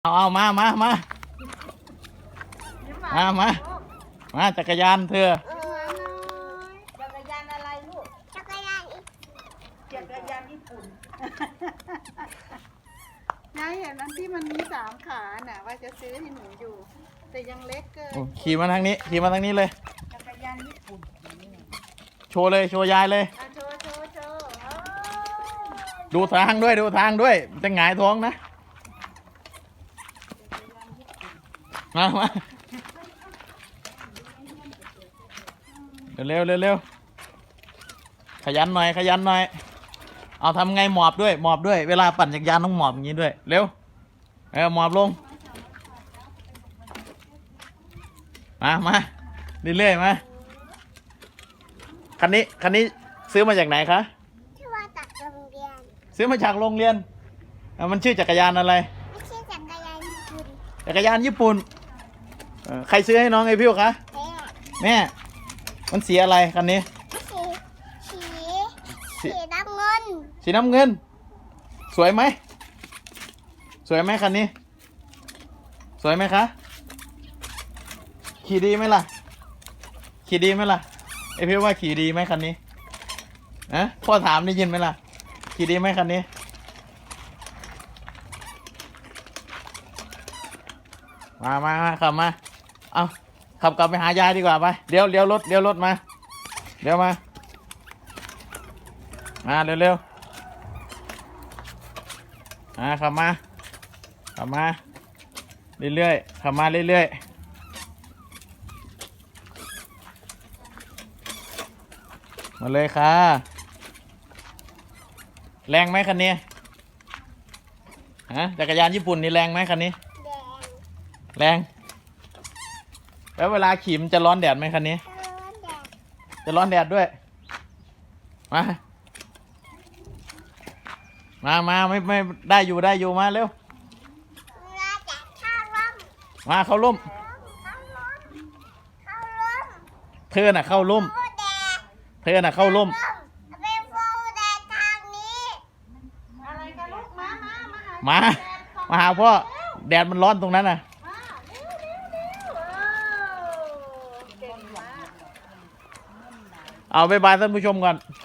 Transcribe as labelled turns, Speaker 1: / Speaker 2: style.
Speaker 1: เอามาจักรยานเธอ
Speaker 2: จักรยานอะไรลูกจักรยานญี่ปุ่น
Speaker 3: ยายเห็นอันที่มันมี3 ขาน่ะว่าจะซื้อให้หนูอยู่แต่ยังเล็กเกิน
Speaker 1: ขี่มาทางนี้เลย
Speaker 2: จักรยานญี่ปุ่น
Speaker 1: โชว์ยายเลย
Speaker 3: โชว์
Speaker 1: ดูทางด้วยจะหงายท้องนะมาเร็วขยันหน่อยเอาทำไงหมอบด้วยเวลาปั่นจักรยานต้องหมอบอย่างนี้ด้วยเร็วหมอบลงมาเรื่อยๆมาคันนี้ซื้อมาจากไหนคะ
Speaker 2: ชื่อว่าจากโรงเรียน
Speaker 1: ซื้อมาจากโรงเรียนมันชื่อจักรยานอะไร
Speaker 2: ไม่ใช่จักรยานญี่ปุ่น
Speaker 1: ใครซื้อให้น้องไอพิวคะแม่มันสีอะไรคันนี้
Speaker 2: สีน้ำเงิน
Speaker 1: สวยไหมคันนี้สวยไหมคะขี่ดีไหมล่ะไอพิวว่าขี่ดีไหมคันนี้พ่อถามได้ยินไหมล่ะขี่ดีไหมคันนี้มาขับมาเอาขับกลับไปหายายดีกว่าไปเดี๋ยวรถมาเร็วขับมาเรื่อยๆขับมาเรื่อยๆมาเลยค่ะแรงไหมคันนี้จักรยานญี่ปุ่นนี่แรงไหมคันนี้แรงแล้วเวลาขี่มันจะร้อนแดดไหมคันนี้จะร้อนแดดด้วยมาไม่ได้อยู่มาเร็วมาเข้าร่มเธอน่ะเข้าร่มมาหาพ่อแดดมันร้อนตรงนั้นน่ะเอาบ๊ายบายท่านผู้ชมก่อน